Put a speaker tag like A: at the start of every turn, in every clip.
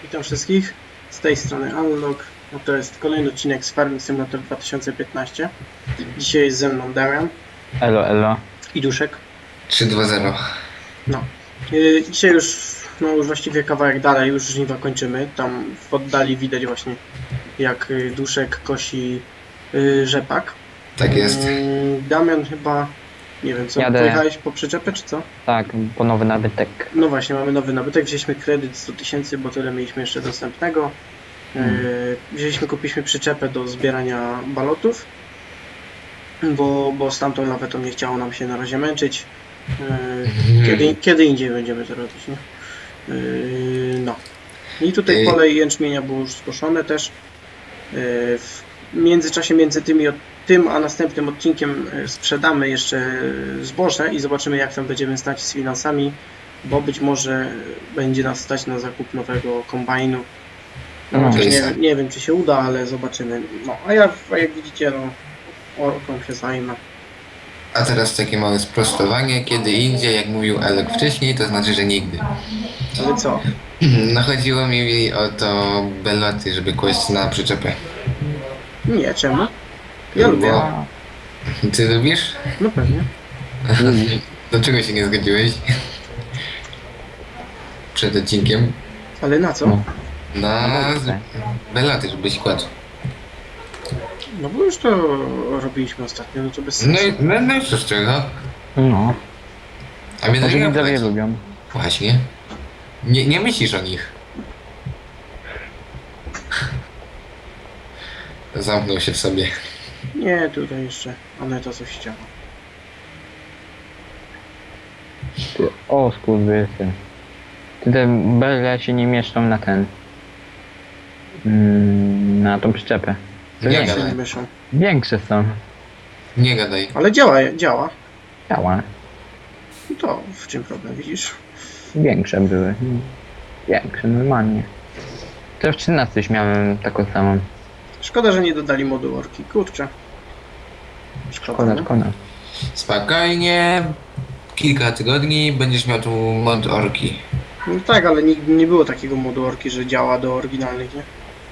A: Witam wszystkich, z tej strony Unlock. No to jest kolejny odcinek z Farming Simulator 2015. Dzisiaj jest ze mną Damian
B: Elo, elo.
A: i Duszek.
C: 3-2-0.
A: No. Dzisiaj już właściwie kawałek dalej, już żniwa kończymy. Tam w oddali widać właśnie jak Duszek kosi rzepak.
C: Tak jest.
A: Damian chyba, nie wiem co,
B: Jadę.
A: pojechałeś po przyczepę czy co?
B: Tak, po nowy nabytek.
A: No właśnie, mamy nowy nabytek, wzięliśmy kredyt 100 000, bo tyle mieliśmy jeszcze dostępnego. Kupiliśmy przyczepę do zbierania balotów, bo z tamtą lawetą nie chciało nam się na razie męczyć. Kiedy indziej będziemy to robić, nie? No. I tutaj pole jęczmienia było już skoszone też. W międzyczasie między tym a następnym odcinkiem sprzedamy jeszcze zboże i zobaczymy, jak tam będziemy stać z finansami, bo być może będzie nas stać na zakup nowego kombajnu. No, chociaż nie wiem, czy się uda, ale zobaczymy. No, a jak widzicie, no, orką się zajmę.
C: A teraz takie małe sprostowanie. Kiedy indziej, jak mówił Alek wcześniej, to znaczy, że nigdy.
A: Ale co?
C: No chodziło mi o to beloty, żeby kłaść na przyczepę.
A: Nie, czemu? Ja lubię.
C: Bo... Ty lubisz?
A: No pewnie.
C: Dlaczego się nie zgodziłeś? Przed odcinkiem?
A: Ale na co?
B: No.
C: Na
B: dobrze.
C: beloty, żebyś kładł.
A: No bo już to robiliśmy ostatnio, no to bez
C: No
A: sensu.
C: no i co z czego?
B: No,
C: A mnie
B: może
C: nie
B: widzowie lubią.
C: Właśnie. Nie myślisz o nich. Zamknął się w sobie.
A: Nie, tutaj jeszcze Aneta coś chciała.
B: O, skurwysy. Ty te bele się nie mieszczą na ten... na tą przyczepę. To
C: Nie
A: Jak się
C: gadaj.
A: nie mieszą.
B: Większe są.
C: Nie gadaj.
A: Ale działa.
B: Działa.
A: No to w czym problem, widzisz?
B: Większe były. Większe, normalnie. To w 13 już miałem taką samą.
A: Szkoda, że nie dodali modu orki. Kurczę.
B: Szkoda,
A: nie?
B: szkoda.
C: Spokojnie. Kilka tygodni będziesz miał tu mod orki.
A: No tak, ale nigdy nie było takiego modu orki, że działa do oryginalnych, nie?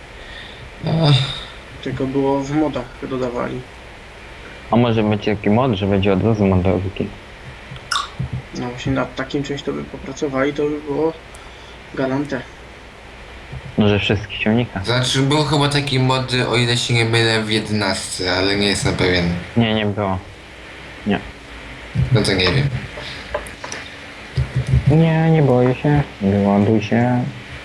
A: Tylko było w modach dodawali.
B: A może będzie taki mod, że będzie od razu mod do wiki.
A: No właśnie nad takim czymś to by popracowali, to by było galante.
B: Może wszystkich ciągnikach.
C: Znaczy był chyba taki mod, o ile się nie mylę, w 11, ale nie jestem pewien.
B: Nie było.
C: No to nie wiem.
B: Nie boję się. Wyładuj się.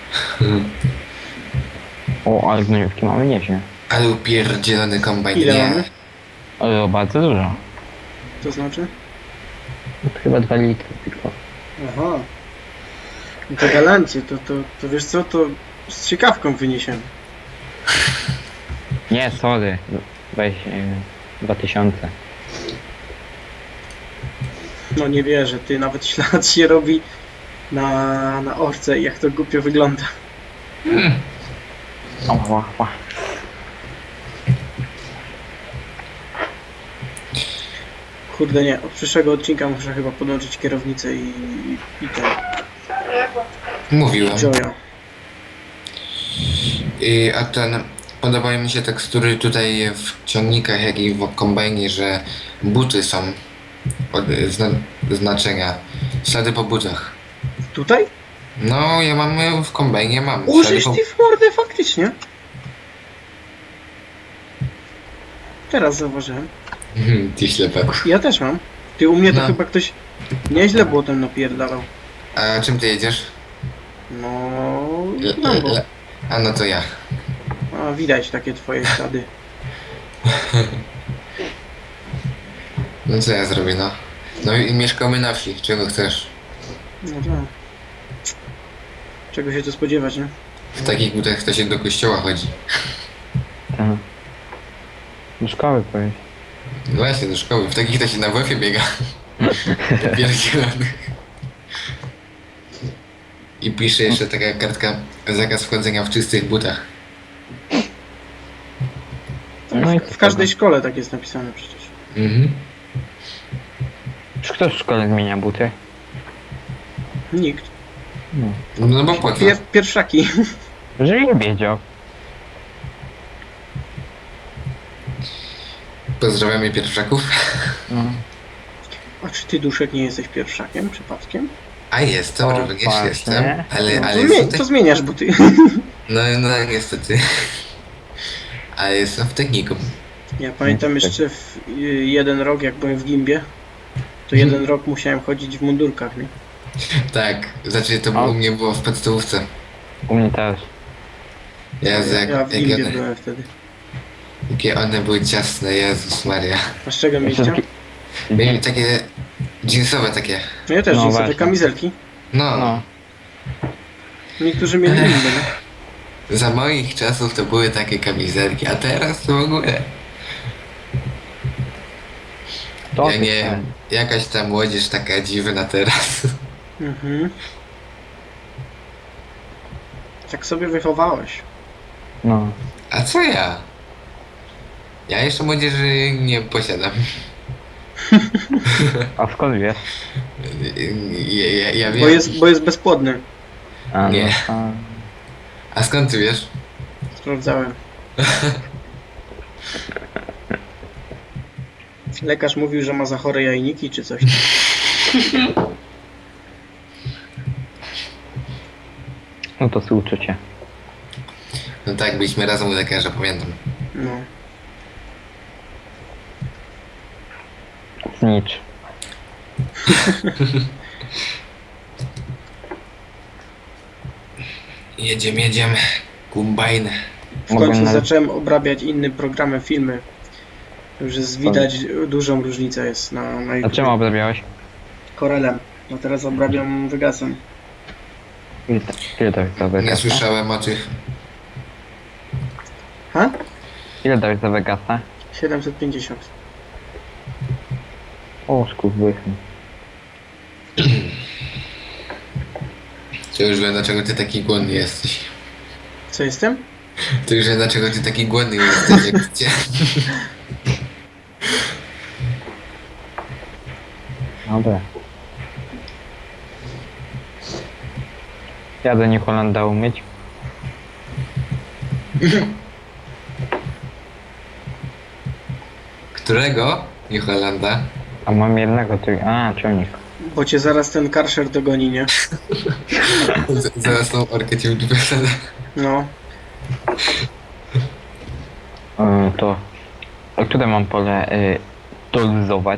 B: O, ale gnojówki mamy nieźle.
C: Ale upierdzielony kombajn,
A: Ile
C: nie.
A: mamy?
B: Ale bardzo dużo.
A: To znaczy?
B: Chyba 2 litry tylko.
A: Aha. No to galancie, to wiesz co, to z ciekawką wyniesiemy.
B: Nie, sorry. Weź 2000.
A: No nie wierzę, ty nawet ślad się robi na orce i jak to głupio wygląda.
B: O.
A: Kurde nie, od przyszłego odcinka muszę chyba podłączyć kierownicę i ten
C: Mówiłem.
A: Joya.
C: A ten... Podobają mi się tekstury tutaj w ciągnikach, jak i w kombajnie, że buty są od znaczenia. Ślady po butach.
A: Tutaj?
C: No, ja mam w kombajnie, mam.
A: Użyć ty w mordę faktycznie. Teraz zauważyłem.
C: Ty ślepaku.
A: Ja też mam. Ty u mnie to
C: No.
A: chyba ktoś nieźle błotem napierdalał.
C: A czym ty jedziesz?
A: No, Lambo.
C: A no to ja.
A: A widać takie twoje ślady.
C: No co ja zrobię, no? No i mieszkamy na wsi, czego chcesz?
A: No tak. Czego się tu spodziewać, nie?
C: W takich butach to się do kościoła chodzi.
B: Tak. Do szkoły powiedz.
C: No właśnie, do szkoły. W takich to się na WF-ie biega. Pierdzielony. I pisze jeszcze taka kartka, zakaz wchodzenia w czystych butach.
B: No i
A: W każdej szkole tak jest napisane przecież.
C: Mhm.
B: Czy ktoś w szkole zmienia buty?
A: Nikt.
B: No.
C: No bo po co?
A: Pierwszaki.
B: Że nie wiedział.
C: Pozdrawiamy pierwszaków.
B: No.
A: A czy ty, Duszek, nie jesteś pierwszakiem przypadkiem?
C: A jestem,
B: O,
C: również
B: właśnie.
C: jestem. Ale,
A: No,
C: ale
A: to,
C: jestem
A: to zmieniasz buty.
C: No niestety. Ale jestem w technikum.
A: Ja pamiętam jeszcze jeden rok, jak byłem w Gimbie, to jeden rok musiałem chodzić w mundurkach, nie?
C: Tak, znaczy to
B: A-
C: u mnie było w podstawówce.
B: U mnie też.
C: Jezu,
A: Ja w
C: jak
A: Gimbie
C: one,
A: byłem wtedy.
C: jakie one były ciasne, Jezus Maria.
A: A z czego mieliście?
C: Mieli takie jeansowe takie.
A: No ja też,
B: No
A: no, sobie
B: właśnie.
A: kamizelki.
C: No,
B: No.
A: Niektórzy mieli inne, nie?
C: za moich czasów to były takie kamizelki, a teraz to w ogóle.
B: To
C: Ja nie wiem, jakaś ta młodzież taka dziwna teraz.
A: Mhm. Tak sobie wychowałeś.
B: No.
C: A co ja? Ja jeszcze młodzieży nie posiadam.
B: A skąd wiesz?
C: Ja wiem.
A: Bo jest bezpłodny.
B: A,
C: Nie.
B: No,
C: A skąd ty wiesz?
A: Sprawdzałem. Lekarz mówił, że ma za chore jajniki czy coś.
B: no to współczucie.
C: No tak, byliśmy razem u lekarza, pamiętam.
A: No.
B: Znicz.
C: Jedziemy. Kombajn.
A: W końcu
B: Mogłem nawet-
A: zacząłem obrabiać innym programem filmy. Już jest widać, dużą różnicę jest na
B: A
A: YouTube.
B: czym obrabiałeś?
A: Corelem. No teraz obrabiam Vegasem.
B: Ile dałeś za
C: Nie
B: Vegasa?
C: słyszałem o tych.
A: Ha?
B: Ile dałeś za Vegasa?
A: 750.
B: O, skurwychny.
C: To już wiem, dlaczego ty taki głodny jesteś.
A: Co jestem?
C: To już wiem, dlaczego ty taki głodny jesteś, jak cię.
B: Dobra. Jadę New Hollanda umyć.
C: Którego? New Hollanda.
B: A mam jednego tu. A, ciągnik.
A: Bo cię zaraz ten karszer dogoni, nie?
C: Zaraz tą orkę ci wyprzedzę.
A: No.
B: To. A które mam pole dolizować?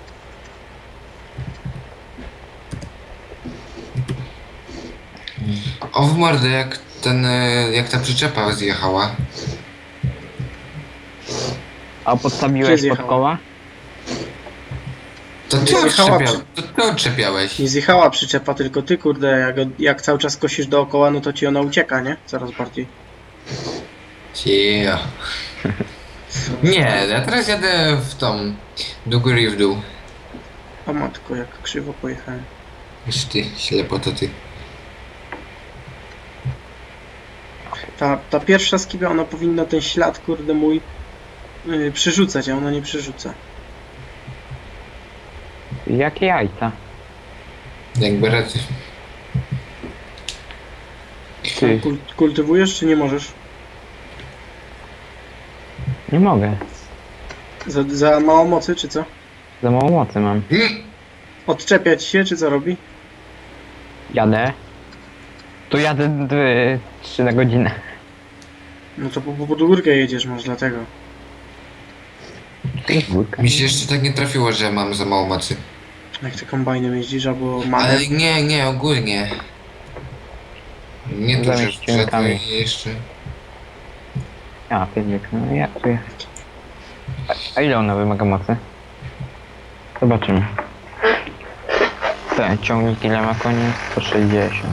C: O w mordę, jak ten, jak ta przyczepa zjechała.
B: A
A: Gdzie
B: podstawiłeś pod
A: zjechała?
B: koła?
C: To ty,
A: Zjechała
C: to ty odczepiałeś.
A: Nie zjechała przyczepa, tylko ty, kurde, jak cały czas kosisz dookoła, no to ci ona ucieka, nie? Coraz bardziej.
C: Yeah. Nie, ja teraz jadę w tą, do góry i w dół.
A: O matko, jak krzywo pojechałem.
C: Już ty, ślepo to ty.
A: Ta pierwsza skiba, ona powinna ten ślad, kurde mój, przerzucać, a ona nie przerzuca.
B: Jakie jajca?
C: Jakby raczej.
B: Ty,
A: Kultywujesz, czy nie możesz?
B: nie mogę.
A: Za mało mocy, czy co?
B: Za mało mocy mam.
A: Odczepiać się, czy co robi?
B: Jadę. Tu jadę 3 na godzinę.
A: No to pod górkę jedziesz, może dlatego.
B: To jest górka.
C: Mi się jeszcze tak nie trafiło, że mam za mało mocy.
A: Jak ty kombajnem jeździsz, albo mamy.
C: Ale nie, ogólnie. Nie tu, że
B: Zamiast ciunkami.
C: wszedłem i jeszcze.
B: A, pięknie. No jak tu jechać? A ile ona wymaga mocy? Zobaczymy. Ten ciągnik ile ma koni? 160.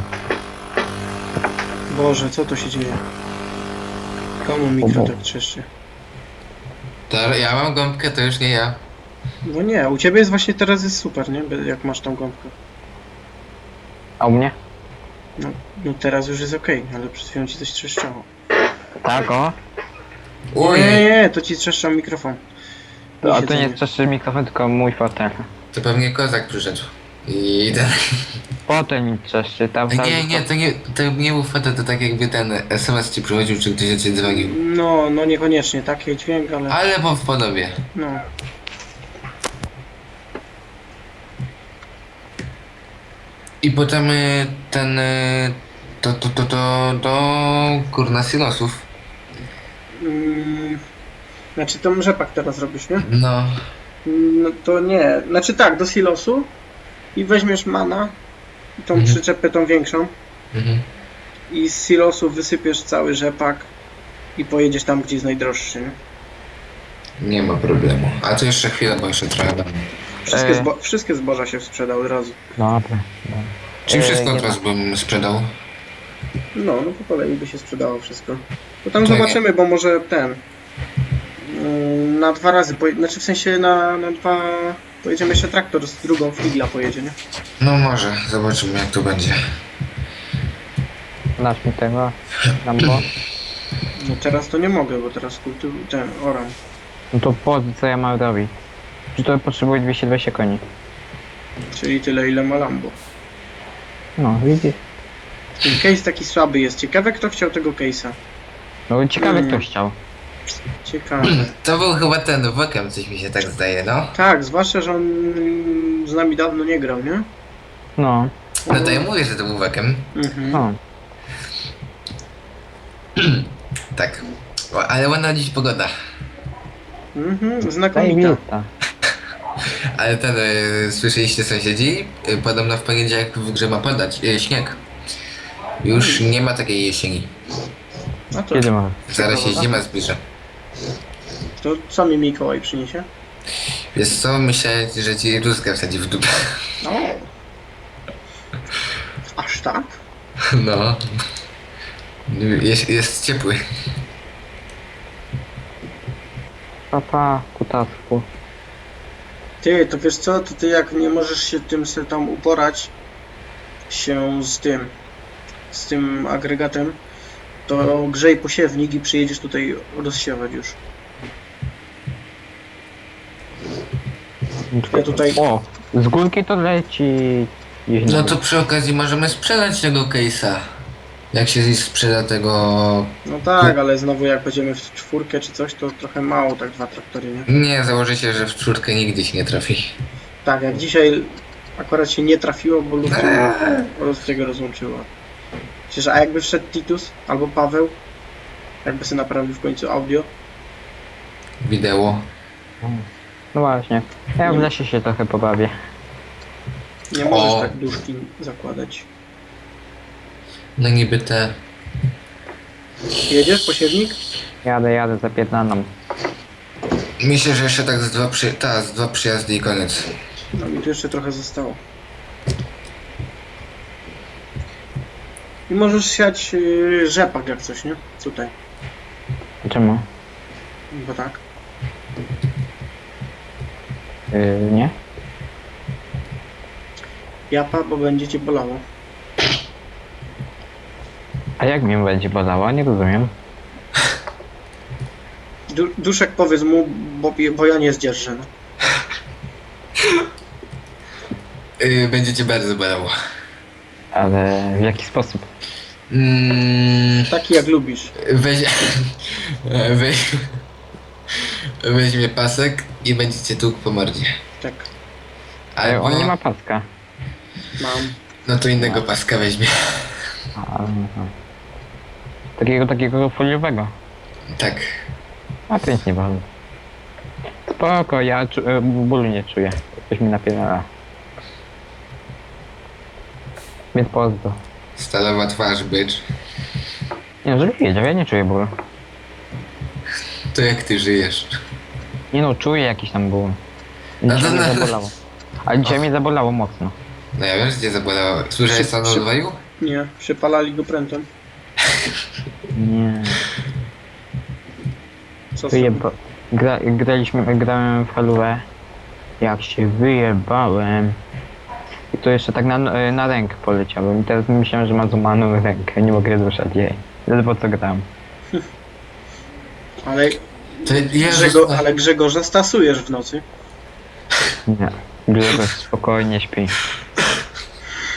A: Boże, co to się dzieje? Komu mikro tak trzeszczy?
C: To ja mam gąbkę, to już nie ja.
A: No nie, u ciebie jest właśnie teraz jest super, nie? Jak masz tą gąbkę.
B: A u mnie?
A: No teraz już jest okej, ale przed chwilą ci coś trzeszczało.
B: Tak, o.
C: Oj,
A: Nie, to ci trzeszczał mikrofon.
B: A to nie
A: Siedzenie.
B: jest przecież mikrofon, tylko mój fotel.
C: to pewnie kozak przyszedł. I ten...
B: Potem mi coś czytał.
C: To nie był foto, to tak jakby ten SMS ci przychodził, czy ktoś do ciebie dzwonił.
A: No niekoniecznie taki dźwięk, ale
C: Ale w podobie.
A: no.
C: I potem ten... To kurna silosów.
A: Znaczy to rzepak teraz robisz, nie?
C: No.
A: No to nie. Znaczy tak, do silosu i weźmiesz mana, tą przyczepę tą większą
C: Mhm.
A: i z silosu wysypiesz cały rzepak i pojedziesz tam, gdzie jest najdroższy, nie?
C: Nie ma problemu. A to jeszcze chwilę, bo jeszcze trochę będę.
A: Wszystkie zboża się sprzedały od razu.
B: Dobra.
C: Czyli wszystko
B: nie
C: od razu bym sprzedał.
A: No po kolei by się sprzedało wszystko. To tam
C: To nie.
A: zobaczymy, bo może ten na 2 razy, znaczy w sensie na 2 pojedziemy jeszcze traktor z drugą figla pojedzie, nie?
C: No może, zobaczymy jak to będzie.
B: Dasz mi tego. Lambo.
A: No teraz to nie mogę, bo teraz ten oram.
B: No to po co ja mam robić? Czy to potrzebuje 220 koni?
A: Czyli tyle ile ma Lambo.
B: No, widzisz?
A: Ten case taki słaby jest. Ciekawe kto chciał tego case'a.
B: No ciekawe kto chciał.
A: Ciekawe.
C: To był chyba ten Wokem, coś mi się tak zdaje, no.
A: Tak, zwłaszcza, że on z nami dawno nie grał, nie?
B: No,
C: No to ja mówię, że to był Wokem.
A: Mhm.
B: no.
C: Tak. O, ale ładna dziś pogoda.
A: Znakomita.
B: Zajebista.
C: Ale ten, słyszeliście sąsiedzi? Podobno w poniedziałek w grze ma padać śnieg. Już nie ma takiej jesieni.
A: A to,
B: Kiedy ma?
C: Zaraz się zima zbliża.
A: to co mi Mikołaj przyniesie?
C: Wiesz co, myślę, że ci rózgę wsadzi w dupę.
A: O. Aż tak?
C: No. Jest ciepły.
B: Papa, kutasku.
A: Ty, to wiesz co? To ty jak nie możesz się tym se tam uporać się z tym agregatem, to grzej posiewnik i przyjedziesz tutaj rozsiewać już. Ja tutaj...
B: O, z górki to leci.
C: No to przy okazji możemy sprzedać tego case'a. Jak się sprzeda tego...
A: No tak, ale znowu jak będziemy w 4 czy coś, to trochę mało tak 2 traktory, nie?
C: Nie, założę się, że w czwórkę nigdy się nie trafi.
A: Tak, jak dzisiaj akurat się nie trafiło, bo Lustriego rozłączyło. Przecież a jakby wszedł Titus albo Paweł, jakby sobie naprawił w końcu audio,
C: Wideo.
B: No właśnie. Ja w lesie się trochę pobawię.
A: nie możesz
C: O.
A: tak duszki zakładać.
C: No niby te...
A: Jedziesz, posiewnik?
B: Jadę, zapierdalam.
C: Myślę, że jeszcze tak z dwa przyjazdy i koniec.
A: No mi tu jeszcze trochę zostało. I możesz siać rzepak jak coś, nie? Tutaj,
B: Czemu?
A: bo tak.
B: Nie?
A: Japa, bo będzie cię bolało.
B: A jak mnie będzie bolało? Nie rozumiem.
A: Duszek powiedz mu, bo ja nie zdzierżę. No.
C: Będzie cię bardzo bolało.
B: Ale w jaki sposób?
A: Taki jak lubisz.
C: Weź... Weźmie pasek i będzie cię tłukł po mordzie.
A: Tak,
B: Ale on nie ma paska.
A: mam.
C: No to innego paska weźmie.
B: Takiego foliowego.
C: Tak.
B: A to nic nie boli. Spoko, ja bólu nie czuję. Coś mi napierdala. Więc pozdro.
C: Stalowa twarz, bycz.
B: Nie no, żebyś wiedział, ja nie czuję bólu.
C: To jak ty żyjesz?
B: Nie no, czuję jakiś tam ból.
C: No
B: Dzisiaj
C: to
B: mnie
C: na-
B: zabolało. Ale dzisiaj mnie zabolało mocno.
C: No ja wiem, że cię zabolało. Słyszałeś co on odwalił?
A: Nie, przypalali go prętem.
B: Nie.
A: Co
B: Grałem w Halówę. Jak się wyjebałem. I to jeszcze tak na rękę poleciałem. I teraz myślałem, że ma złamaną rękę. Nie mogę ruszać jej. Ledwo co gram.
A: Ale,
C: To
A: ale Grzegorza stasujesz w nocy.
B: Nie. Grzegorz spokojnie śpi.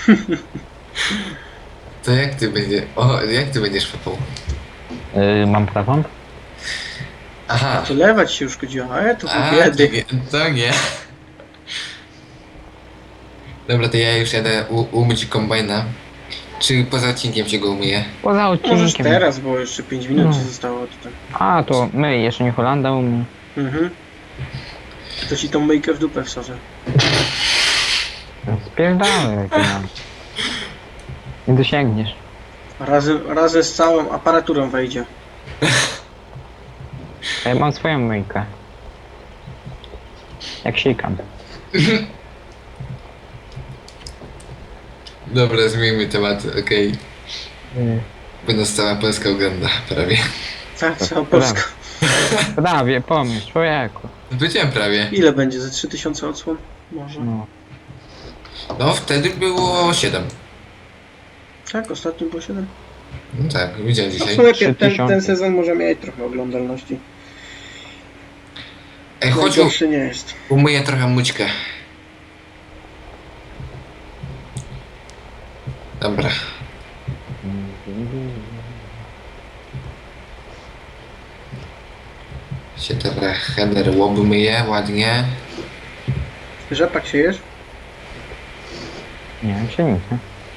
C: To jak ty będziesz... O, jak ty będziesz fapał?
B: Mam prawą?
C: Aha.
A: To lewać się już chodziło, a to
C: A,
A: biedy.
C: to nie. Dobra, to ja już jadę umyć kombajna. Czy poza odcinkiem się go umyję?
B: Poza
A: Możesz
B: odcinkiem.
A: teraz, bo jeszcze 5 minut
B: No.
A: ci zostało tutaj.
B: A, to my, jeszcze nie Holanda umie.
A: Mhm. To ci tą myjkę w dupę wsadzę.
B: Spierdalaj, no. Nie dosięgniesz.
A: Razem z całą aparaturą wejdzie.
B: A ja mam swoją myjkę. Jak sikam.
C: Dobra, zmieńmy temat, okej. Bo nas cała Polska ogląda, prawie.
A: Tak, cała Polska.
B: Prawie, pomyśl, człowieku.
C: Powiedziałem prawie.
A: Ile będzie? Ze 3000 odsłon? Może.
B: No.
C: No, wtedy było 7.
A: Tak, ostatnio było 7.
C: No tak, widziałem
A: No w
C: dzisiaj.
A: sumie
B: 3000.
A: ten sezon może mieć trochę oglądalności.
C: Ej, chodź,
A: Najgorszy nie jest.
C: umyję trochę mućkę. Dobra. Się teraz header obmyję ładnie.
A: Rzepak siejesz?
B: Nie wiem, się nic, nie?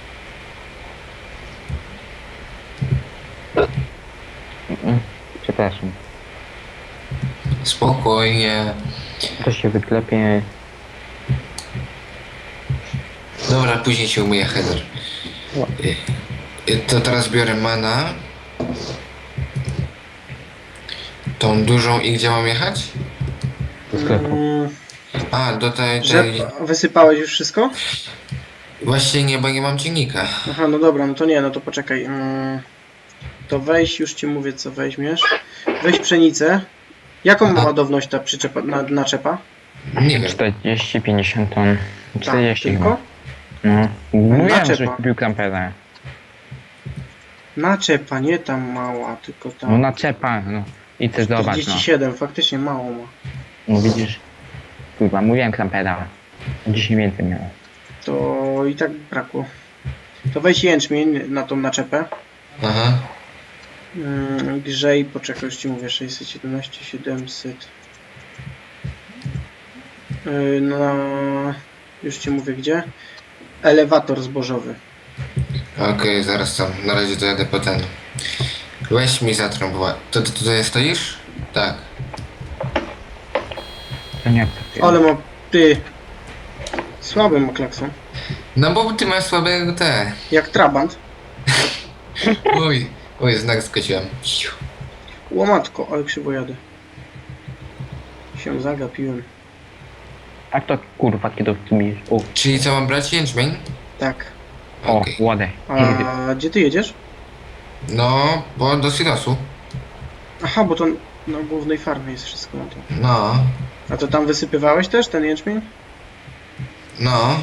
B: Przepraszam.
C: Spokojnie.
B: To się wyklepie.
C: Dobra, później się umyję header. To teraz biorę mana. Tą dużą i gdzie mam jechać?
B: Do sklepu.
C: A, do tej...
A: Wysypałeś już wszystko?
C: Właśnie nie, bo nie mam ciągnika.
A: Aha, no dobra, no to nie, no to poczekaj. To weź, już ci mówię co weźmiesz. Weź pszenicę. Jaką ma ładowność ta przyczepa, naczepa?
C: Nie wiem.
B: 40, 50 ton. 40
A: tylko?
B: chyba. No. Mówiłem,
A: Naczepa.
B: że kupił kampera.
A: Naczepa, nie tam mała, tylko
B: No
A: tam.
B: naczepa, no. I ty zobacz, no.
A: 47, faktycznie mało ma.
B: No widzisz. Kurwa, mówiłem kampera. 10 więcej miało.
A: To i tak brakło. To weź jęczmień na tą naczepę.
C: Aha.
A: Grzej, poczekaj, już ci mówię, 617, 700. No, już ci mówię gdzie. Elewator zbożowy.
C: Okej, zaraz tam. Na razie to jadę po ten. Weź mi zatrąbła. To ty tutaj stoisz? Tak.
B: To nie akceptuję.
A: Ale ma, ty, słaby ma klakson.
C: No bo ty masz słabe te.
A: Jak trabant.
C: Oj, oj, znak skosiłem.
A: Łomatko, ale krzywo jadę. Się zagapiłem.
B: Tak to kurwa, kiedy w tym jest. O,
C: Czyli co, mam brać jęczmień?
A: Tak.
C: Okej.
B: ładę.
A: A gdzie ty jedziesz?
C: No, bo do silosu.
A: Aha, bo to na głównej farmie jest wszystko na to.
C: No,
A: A to tam wysypywałeś też ten jęczmień?
C: no.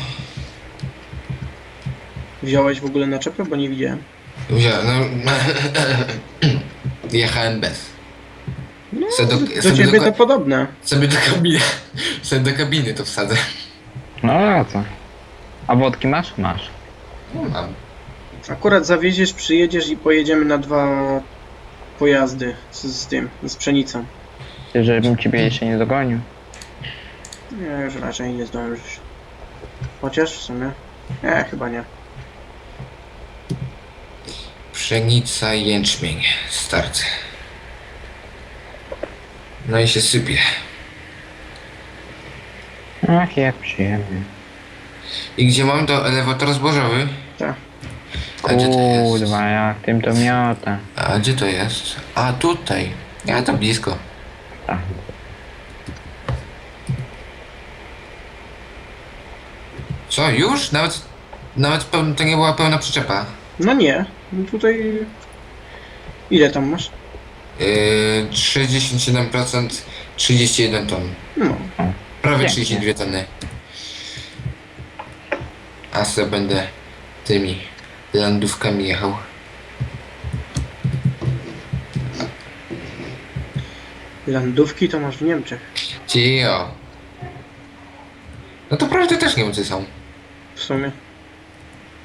A: Wziąłeś w ogóle naczepę, bo nie widziałem.
C: Wziąłem, no. Jechałem bez.
A: No,
C: Se
A: do ciebie to podobne.
C: sobie do kabiny. Sobie do kabiny to wsadzę.
B: No a co? A wodki masz? Masz.
C: No, mam.
A: Akurat zawieziesz, przyjedziesz i pojedziemy na 2 pojazdy z tym, z pszenicą.
B: Ty, żebym ciebie jeszcze nie dogonił.
A: Nie, już raczej nie zdążysz. Chociaż w sumie. Nie, chyba nie.
C: Pszenica i jęczmień. Start. No i się sypie.
B: Ach, jak przyjemnie.
C: I gdzie mam to elewator zbożowy?
A: Tak.
C: A gdzie to jest?
B: Kurwa, jak tym to miota.
C: A gdzie to jest? A tutaj. Ja to blisko.
B: Tak.
C: Co, już? Nawet to nie była pełna przyczepa.
A: No nie. No tutaj... Ile tam masz?
C: 67%, 31 ton.
A: No.
C: Prawie
B: Pięknie.
C: 32 tony. A se będę tymi landówkami jechał.
A: Landówki to masz w Niemczech.
C: Cio. No to prawda też Niemcy są.
A: W sumie.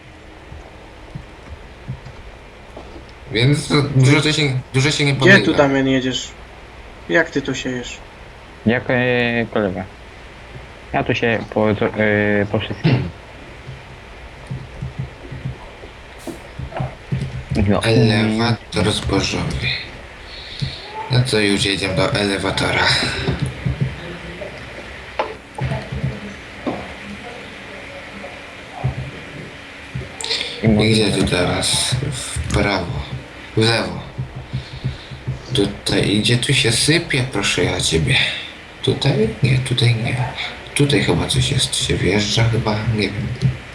C: Więc dużo się nie
A: Gdzie
C: podejdzie.
A: tu, Damian, jedziesz? Jak ty to siejesz?
B: Jak kolega. Ja tu się po wszystkim. No.
C: Elewator zbożowy. No to już jedziemy do elewatora. I gdzie tu teraz? W prawo. W lewo. Tutaj, gdzie tu się sypie, proszę ja ciebie. Tutaj? Nie, tutaj nie. Tutaj chyba coś jest, się wjeżdża chyba, nie wiem.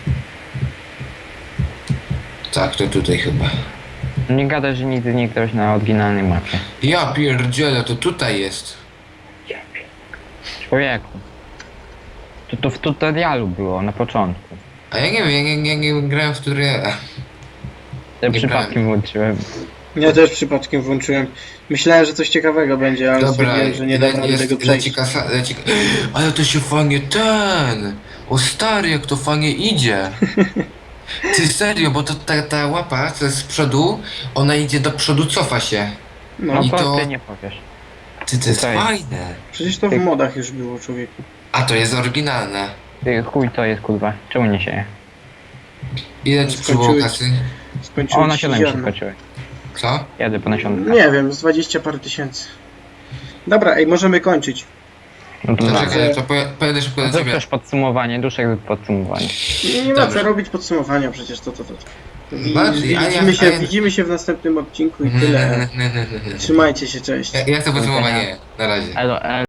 C: Tak, to tutaj chyba.
B: Nie gadaj, że nigdy nie grałeś na oryginalnej mapie.
C: Ja pierdzielę, to tutaj jest.
B: Człowieku. To w tutorialu było na początku.
C: A ja nie wiem, ja nie grałem w tutoriala.
B: Ja
C: Nie
B: przypadkiem włączyłem.
A: Ja też przypadkiem włączyłem. Myślałem, że coś ciekawego będzie, ale stwierdziłem, że nie dam rady tego przejść.
C: Ale to się fajnie O stary, jak to fajnie idzie. Ty serio, bo to ta łapa, co jest z przodu, ona idzie do przodu, cofa się.
B: No
A: No,
C: I
B: to
C: to-
B: ty nie powiesz.
C: To jest
B: Tutaj.
C: fajne.
A: przecież to w modach już było, człowieku.
C: A to jest oryginalne.
B: Ty, chuj to jest kurwa. Czemu nie sieje?
C: Ile ci przybyło
A: Skończyłeś-
C: kasy?
B: O,
A: Skończyłem
B: na
A: się
B: 7 się
A: ziarno.
B: skończyły.
C: Co?
B: Jadę po nasionka.
A: Nie wiem, z 20 parę tysięcy. Dobra, ej, możemy kończyć.
B: No to
C: To
B: tak.
C: czekaj, to pojadę szybko do
B: Zrób
C: ciebie.
B: też podsumowanie, duszek zrób podsumowanie.
A: Nie ma co
C: Dobrze.
A: robić podsumowania przecież, to.
C: Bardziej, a ja-
A: Widzimy się w następnym odcinku i tyle. Trzymajcie się, cześć.
C: Ja chcę podsumowanie. Na razie.
B: Elo,